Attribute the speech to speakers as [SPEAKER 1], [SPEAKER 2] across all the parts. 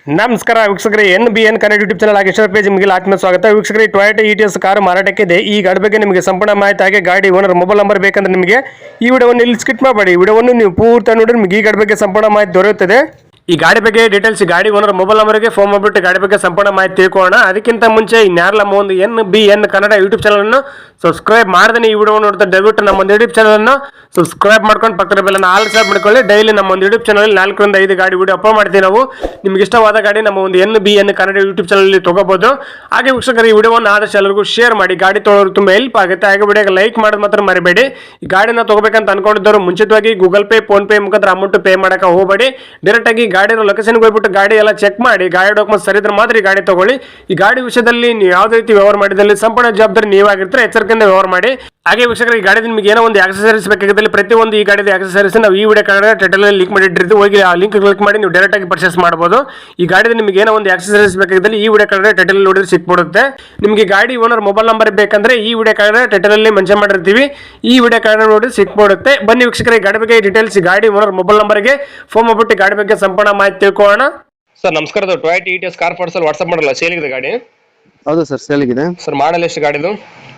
[SPEAKER 1] ನಮಸ್ಕಾರ ವೀಕ್ಷಕರೇ, NBN Kannada YouTube channel ಆಗಿ ಇಷ್ಟರ ಪೇಜ್ ನಿಮಗೆ ಆತ್ಮ ಸ್ವಾಗತ. ವೀಕ್ಷಕರೇ, ಟೊಯೋಟಾ ETS ಕಾರು ಮಾರಾಟಕ್ಕಿದೆ. ಈ ಗಾಡಿ ಬಗ್ಗೆ ನಿಮಗೆ ಸಂಪೂರ್ಣ ಮಾಹಿತಿ ಹಾಗೆ ಗಾಡಿ ಓನರ್ ಮೊಬೈಲ್ ನಂಬರ್ ಬೇಕಂದ್ರೆ ನಿಮಗೆ ಈ ವಿಡಿಯೋವನ್ನು ಇಲ್ಲಿ ಸ್ಕಿಪ್ ಮಾಡಬೇಡಿ. ಈ ವಿಡಿಯೋವನ್ನು ನೀವು ಪೂರ್ತಿ ನೋಡಿದ್ರೆ ನಿಮಗೆ ಈ ಗಾಡಿ ಬಗ್ಗೆ ಸಂಪೂರ್ಣ ಮಾಹಿತಿ ದೊರೆಯುತ್ತದೆ. ಈ ಗಾಡಿ ಬಗ್ಗೆ ಡೀಟೇಲ್ಸ್ ಗಾಡಿ ಓನರ್ ಮೊಬೈಲ್ ನಂಬರ್ಗೆ ಫೋನ್ ಮಾಡಿಬಿಟ್ಟು ಗಾಡಿ ಬಗ್ಗೆ ಸಂಪೂರ್ಣ ಮಾಹಿತಿ ತಿಳ್ಕೊಳ್ಳೋಣ. ಅದಕ್ಕಿಂತ ಮುಂಚೆ ಇನ್ಯಾರಲ್ಲ ಒಂದು NBN ಕನ್ನಡ ಯೂಟ್ಯೂಬ್ ಚಾನಲ್ ಅನ್ನು ಸಬ್ಸ್ಕ್ರೈಬ್ ಮಾಡದೇ ಈ ವಿಡಿಯೋ ನೋಡ್ತಾ ದಯವಿಟ್ಟು ನಮ್ಮ ಒಂದು ಯೂಟ್ಯೂಬ್ ಚಾನಲ್ ಅನ್ನು ಸಬ್ಸ್ಕ್ರೈಬ್ ಮಾಡ್ಕೊಂಡು ಪಕ್ಕದ ಬೆಲ್ಲನ್ನು ಆಲ್ ಸಬ್ ಮಾಡ್ಕೊಳ್ಳಿ. ಡೈಲಿ ನಮ್ಮ ಒಂದು ಯೂಟ್ಯೂಬ್ ಚಾನಲ್ 4 ರಿಂದ 5 ಗಾಡಿ ವಿಡಿಯೋ ಅಪ್ಲೋಡ್ ಮಾಡ್ತೀವಿ. ನಾವು ನಿಮ್ಗೆ ಇಷ್ಟವಾದ ಗಾಡಿ ನಮ್ಮ ಒಂದು NBN ಕನ್ನಡ ಯೂಟ್ಯೂಬ್ ಚಾನಲ್ ತಗೋಬಹುದು. ಹಾಗೆ ವೀಕ್ಷಕರು, ಈ ವಿಡಿಯೋವನ್ನು ಆದಷ್ಟು ಎಲ್ಲರಿಗೂ ಶೇರ್ ಮಾಡಿ. ಗಾಡಿ ತೊಗೊಳ್ಳೋರು ತುಂಬಾ ಹೆಲ್ಪ್ ಆಗುತ್ತೆ. ಹಾಗೆ ವಿಡಿಯೋಗೆ ಲೈಕ್ ಮಾಡೋದು ಮಾತ್ರ ಮರಿಬೇಡಿ. ಈ ಗಾಡಿನ ತಗೋಬೇಕಂತ ಅನ್ಕೊಂಡಿದ್ದವರು ಮುಂಚಿತವಾಗಿ ಗೂಗಲ್ ಪೇ, ಫೋನ್ ಪೇ ಮುಖಾಂತರ ಅಮೌಂಟ್ ಪೇ ಮಾಡಕ್ಕೆ ಹೋಗಬೇಡಿ. ಡೈರೆಕ್ಟ್ ಆಗಿ ಗಾಡಿ ಲೊಕೇಶನ್ಗೆ ಹೋಗ್ಬಿಟ್ಟು ಗಾಡಿ ಎಲ್ಲ ಚೆಕ್ ಮಾಡಿ, ಗಾಡಿ ಡಾಕ್ಯುಮೆಂಟ್ಸ್ ಸರಿ ಇದ್ರೆ ಮಾತ್ರ ಈ ಗಾಡಿ ತಗೊಳ್ಳಿ. ಈ ಗಾಡಿ ವಿಷಯದಲ್ಲಿ ನೀವು ಯಾವುದೇ ರೀತಿ ವ್ಯವಹಾರ ಮಾಡಿದಲ್ಲಿ ಸಂಪೂರ್ಣ ಜವಾಬ್ದಾರಿ ನೀವಾಗಿರ್ತಾರೆ. ಎಚ್ಚರಿಕೆಯಿಂದ ವ್ಯವಹಾರ ಮಾಡಿ. ಹಾಗೆ ವೀಕ್ಷಕರು, ಈ ಗಾಡಿ ನಿಮಗೆ ಏನೋ ಒಂದು ಆಕ್ಸೆಸರೀಸ್ ಬೇಕಾಗಿದ್ದಲ್ಲಿ ಪ್ರತಿಯೊಂದು ಈ ಗಾಡಿದ ಆಕ್ಸೆಸರೀಸ್ ನಾವು ಈ ವಿಡಿಯೋ ಕಾರ್ಡ್ ಟೈಟಲ್ ಲಿಂಕ್ ಮಾಡಿಟ್ಟಿರ್ತೀವಿ. ಹೋಗಿ ಆ ಲಿಂಕ್ ಕ್ಲಿಕ್ ಮಾಡಿ ನೀವು ಡೈರೆಕ್ಟ್ ಆಗಿ ಪರ್ಚೇಸ್ ಮಾಡಬಹುದು. ಈ ಗಾಡಿದ ನಿಮಗೆ ಏನೋ ಒಂದು ಆಕ್ಸೆಸರೀಸ್ ಬೇಕಾಗಿದ್ದಲ್ಲಿ ಈ ವಿಡಿಯೋ ಕಾರ್ಡ್ ಟೈಟಲ್ ನೋಡಿದ್ರೆ ಸಿಕ್ಬಿಡುತ್ತೆ. ನಿಮಗೆ ಗಾಡಿ ಓನರ್ ಮೊಬೈಲ್ ನಂಬರ್ ಬೇಕಂದ್ರೆ ಈ ವಿಡಿಯೋ ಕಾರ್ಡ್ ಟೈಟಲ್ ಅಲ್ಲಿ ಮೆನ್ಷನ್ ಮಾಡಿರ್ತೀವಿ. ಈ ವಿಡಿಯೋ ಕಾರ್ಡ್ ನೋಡಿ ಸಿಕ್ಬಿಡುತ್ತೆ. ಬನ್ನಿ ವೀಕ್ಷಕರೇ, ಗಾಡಿ ಬಗ್ಗೆ ಡೀಟೇಲ್ಸ್ ಗಾಡಿ ಓನರ್ ಮೊಬೈಲ್ ನಂಬರ್ಗೆ ಫೋನ್ ಮಾಡ್ಬಿಟ್ಟು ಗಾಡಿ ಬಗ್ಗೆ ಸಂಪೂರ್ಣ ಮಾಹಿತಿ ತಿಳ್ಕೊಳ್ಳೋಣ. ಸರ್ ನಮಸ್ಕಾರ, Toyota ETS car parcel WhatsApp ಮಾಡಲ್ಲ, ಸೇಲಿಗಿದೆ ಗಾಡಿ?
[SPEAKER 2] ಹೌದು ಸರ್, ಸೇಲಿಗಿದೆ.
[SPEAKER 1] ಸರ್ ಮಾಡಲ್ ಎಷ್ಟು ಗಾಡಿದು?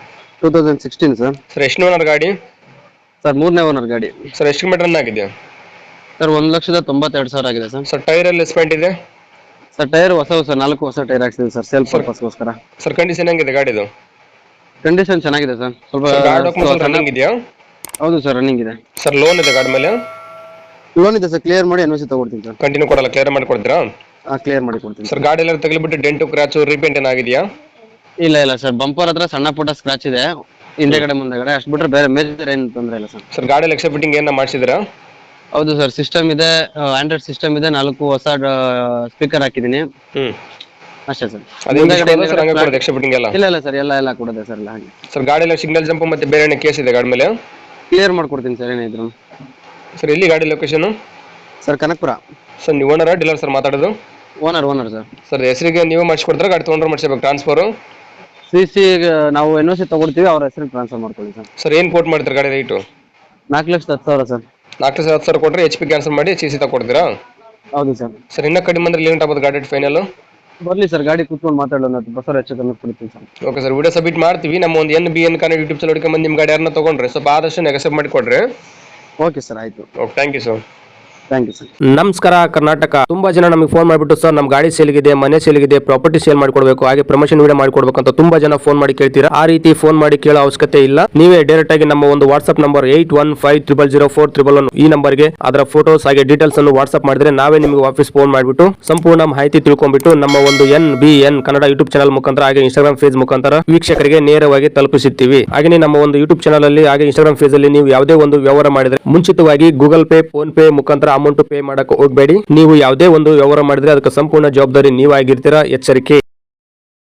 [SPEAKER 2] 2016 ಸರ್.
[SPEAKER 1] ಸರ್ ಎಷ್ಟು ಓನರ್ ಗಾಡಿ?
[SPEAKER 2] ಸರ್ 3ನೇ ಓನರ್ ಗಾಡಿ.
[SPEAKER 1] ಸರ್ ಎಷ್ಟು ಕಿಲೋಮೀಟರ್ ರನ್ ಆಗಿದೆ?
[SPEAKER 2] ಸರ್ 1,92,000 ಆಗಿದೆ ಸರ್.
[SPEAKER 1] ಸರ್ ಟೈರ್ ಎಲ್ಲ ಎಸ್ಪೆಂಟ್ ಇದೆ?
[SPEAKER 2] ಸರ್ ಟೈರ್ ಹೊಸ 4 ಹೊಸ ಟೈರ್ ಹಾಕ್ಸಿದೆ ಸರ್, ಸೆಲ್ಫ್ ಪರ್ಪಸ್ಗೋಸ್ಕರ.
[SPEAKER 1] ಸರ್ ಕಂಡೀಷನ್ ಹೆಂಗಿದೆ ಗಾಡಿದು?
[SPEAKER 2] ಕಂಡೀಷನ್ ಚೆನ್ನಾಗಿದೆ ಸರ್.
[SPEAKER 1] ಸ್ವಲ್ಪ ರನ್ನಿಂಗ್ ಇದೆಯಾ?
[SPEAKER 2] ಹೌದು ಸರ್, ರನ್ನಿಂಗ್ ಇದೆ.
[SPEAKER 1] ಸರ್ ಲೋನ್ ಇದೆ ಗಾಡಿ ಮೇಲೆ?
[SPEAKER 2] ಲೋನ್ ಇದೆ ಸರ್, ಕ್ಲಿಯರ್ ಮಾಡಿ NOC ತಗೊಡ್ತೀನಿ ಸರ್.
[SPEAKER 1] ಕಂಟಿನ್ಯೂ ಕೊಡಲ್ಲ, ಕ್ಲಿಯರ್ ಮಾಡಿ ಕೊಡ್ತೀರಾ?
[SPEAKER 2] ಕ್ಲಿಯರ್ ಮಾಡಿ ಕೊಡ್ತೀನಿ
[SPEAKER 1] ಸರ್. ಗಾಡಿ ಎಲ್ಲ ತಗಲಿಬಿಟ್ಟು ಡೆಂಟು ಕ್ರಾಚು ರೀಪೇಂಟ್ ಏನಾಗಿದೆಯಾ?
[SPEAKER 2] ಇಲ್ಲ ಸರ್, ಬಂಪರ್ ಹತ್ರ ಸಣ್ಣ ಪುಟ್ಟ ಸ್ಕ್ರಾಚ್ ಇದೆ, ಹಿಂದೆಗಡೆ ಮುಂದೆಗಡೆ, ಅಷ್ಟು ಬಿಟ್ರೆ ಬೇರೆ ಮೇಜರ್ ಏನು ತೊಂದರೆ ಇಲ್ಲ ಸರ್.
[SPEAKER 1] ಸರ್ ಗಾಡಿ ಎಕ್ಸ್ಟ್ರಾ ಫಿಟ್ಟಿಂಗ್ ಏನ ಮಾಡಿಸಿದ್ರಾ?
[SPEAKER 2] ಹೌದು ಸರ್, ಸಿಸ್ಟಮ್ ಇದೆ, ಆಂಡ್ರಾಯ್ಡ್ ಸಿಸ್ಟಮ್ ಇದೆ, 4 ಹೊಸ ಸ್ಪೀಕರ್ ಹಾಕಿದ್ದೀನಿ. ಅಷ್ಟೇ ಸರ್.
[SPEAKER 1] ಎಕ್ಸ್ಟ್ರಾ ಫಿಟ್ಟಿಂಗ್ ಎಲ್ಲ?
[SPEAKER 2] ಇಲ್ಲ ಸರ್, ಎಲ್ಲ ಕೊಡದೆ ಸರ್, ಎಲ್ಲ ಹಾಗೆ.
[SPEAKER 1] ಸರ್ ಗಾಡಿ ಎಲ್ಲ ಸಿಗ್ನಲ್ ಜಂಪ್ ಮತ್ತೆ ಬೇರೆ ಏನೇ ಕೇಸ್ ಇದೆ ಗಾಡಿ ಮೇಲೆ?
[SPEAKER 2] ಕ್ಲಿಯರ್ ಮಾಡ್ಕೊಡ್ತೀನಿ ಸರ್, ಏನಿದ್ರು.
[SPEAKER 1] ಸರ್ ಎಲ್ಲಿ ಗಾಡಿ ಲೊಕೇಶನ್?
[SPEAKER 2] ಸರ್ ಕನಕಪುರ.
[SPEAKER 1] ಸರ್ ನೀವು ಓನರ್ ಡೀಲರ್ ಸರ್ ಮಾತಾಡೋದು?
[SPEAKER 2] Owner sir.
[SPEAKER 1] ಸರ್ ಹೆಸರಿಗೆ ನೀವು ಮಾಡಿಸ್ಕೊಡ್ತಾರೆ, ಗಾಡಿ ತೊಗೊಂಡ್ರೆ ಮಾಡಿಸ್ಬೇಕು ಟ್ರಾನ್ಸ್ಫರ್?
[SPEAKER 2] CC ನಾವು NOC ತಗೊಡ್ತೀವಿ, ಅವ್ರ ಹೆಸರಿಗೆ ಟ್ರಾನ್ಸ್ಫರ್ ಮಾಡ್ಕೊಳ್ಳಿ ಸರ್.
[SPEAKER 1] ಸರ್ ಏನು ಕೋಟ್ ಮಾಡ್ತಾರೆ ಗಾಡಿ ರೇಟು?
[SPEAKER 2] 4,10,000 ಸರ್.
[SPEAKER 1] 4,10,000 ಕೊಟ್ಟರೆ HP ಕ್ಯಾನ್ಸಲ್ ಮಾಡಿ CC ತಗೊಡ್ತೀರಾ?
[SPEAKER 2] ಹೌದು ಸರ್.
[SPEAKER 1] ಸರ್ ಇನ್ನೂ ಕಡಿಮೆ ಅಂದ್ರೆ ಲಿಮಿಟ್ ಆಗ್ಬೋದು ಗಾಡಿ ಫೈನಲ್?
[SPEAKER 2] ಬರ್ಲಿ ಸರ್, ಗಾಡಿ ಕೂತ್ಕೊಂಡು ಮಾತಾಡೋಣ, ಬಸವರ ಹೆಚ್ಚು ಕಮ್ಮಿ ಕೊಡ್ತೀನಿ ಸರ್.
[SPEAKER 1] ಓಕೆ ಸರ್, ವಿಡಿಯೋ ಸಬ್ಮಿಟ್ ಮಾಡ್ತೀವಿ. ನಮ್ಮ ಒಂದು NBN ಕನ್ನಡ ಯೂಟ್ಯೂಬ್ ಚಾನಲ್ ಹುಡುಕಿ ನಿಮ್ಮ ಗಾಡಿ ಯಾರನ್ನ ತೊಗೊಂಡ್ರೆ ಸ್ವಲ್ಪ ಆದಷ್ಟು ನೆಗೆಸಬ್ ಮಾಡಿ ಕೊಡ್ರಿ.
[SPEAKER 2] ಓಕೆ ಸರ್, ಆಯಿತು.
[SPEAKER 1] Okay, thank you sir.
[SPEAKER 3] ನಮಸ್ಕಾರ ಕರ್ನಾಟಕ. ತುಂಬಾ ಜನ ನಮಗೆ ಫೋನ್ ಮಾಡಿಬಿಟ್ಟು ಸರ್ ನಮ್ಮ ಗಾಡಿ ಸೇಲ್ಗಿದೆ, ಮನೆ ಸೇಲ್ಗಿದೆ, ಪ್ರಾಪರ್ಟಿ ಸೇಲ್ ಮಾಡ್ಕೊಡ್ಬೇಕು, ಹಾಗೆ ಪ್ರಮೋಷನ್ ವಿಡಿಯೋ ಮಾಡ್ಕೊಡ್ಬೇಕು ಅಂತ ತುಂಬಾ ಜನ ಫೋನ್ ಮಾಡಿ ಕೇಳ್ತೀರಾ. ಆ ರೀತಿ ಫೋನ್ ಮಾಡಿ ಕೇಳೋ ಅವಶ್ಯಕತೆ ಇಲ್ಲ. ನೀವೇ ಡೈರೆಕ್ಟ್ ಆಗಿ ನಮ್ಮ ಒಂದು ವಾಟ್ಸ್ಆಪ್ ನಂಬರ್ 81500411 ಈ ನಂಬರ್ಗೆ ಅದರ ಫೋಟೋಸ್ ಹಾಗೆ ಡೀಟೇಲ್ಸ್ ಅನ್ನು ವಾಟ್ಸ್ಆಪ್ ಮಾಡಿದ್ರೆ ನಾವೇ ನಿಮಗೆ ವಾಪಸ್ ಫೋನ್ ಮಾಡಿಬಿಟ್ಟು ಸಂಪೂರ್ಣ ಮಾಹಿತಿ ತಿಳ್ಕೊಂಡ್ಬಿಟ್ಟು ನಮ್ಮ ಒಂದು NBN ಕನ್ನಡ ಯೂಟ್ಯೂಬ್ ಚಾನಲ್ ಮುಖಾಂತರ ಹಾಗೆ ಇನ್ಸ್ಟಾಗ್ರಾಮ್ ಪೇಜ್ ಮುಖಾಂತರ ವೀಕ್ಷಕರಿಗೆ ನೇರವಾಗಿ ತಲುಪಿಸುತ್ತೀವಿ. ಹಾಗೆ ನಮ್ಮ ಒಂದು ಯೂಟ್ಯೂಬ್ ಚಾನಲ್ ಅಲ್ಲಿ ಹಾಗೆ ಇನ್ಸ್ಟಾಗ್ರಾಮ್ ಪೇಜ್ ಅಲ್ಲಿ ನೀವು ಯಾವುದೇ ಒಂದು ವ್ಯವಹಾರ ಮಾಡಿದ್ರೆ ಮುಂಚಿತವಾಗಿ ಗೂಗಲ್ ಪೇ, ಫೋನ್ ಪೇ ಮುಖಾಂತರ ಅಮೌಂಟ್ ಪೇ ಮಾಡಕ್ಕೆ ಹೋಗಬೇಡಿ. ನೀವು ಯಾವುದೇ ಒಂದು ವ್ಯವಹಾರ ಮಾಡಿದ್ರೆ ಅದಕ್ಕೆ ಸಂಪೂರ್ಣ ಜವಾಬ್ದಾರಿ ನೀವಾಗಿರ್ತೀರಾ. ಎಚ್ಚರಿಕೆ.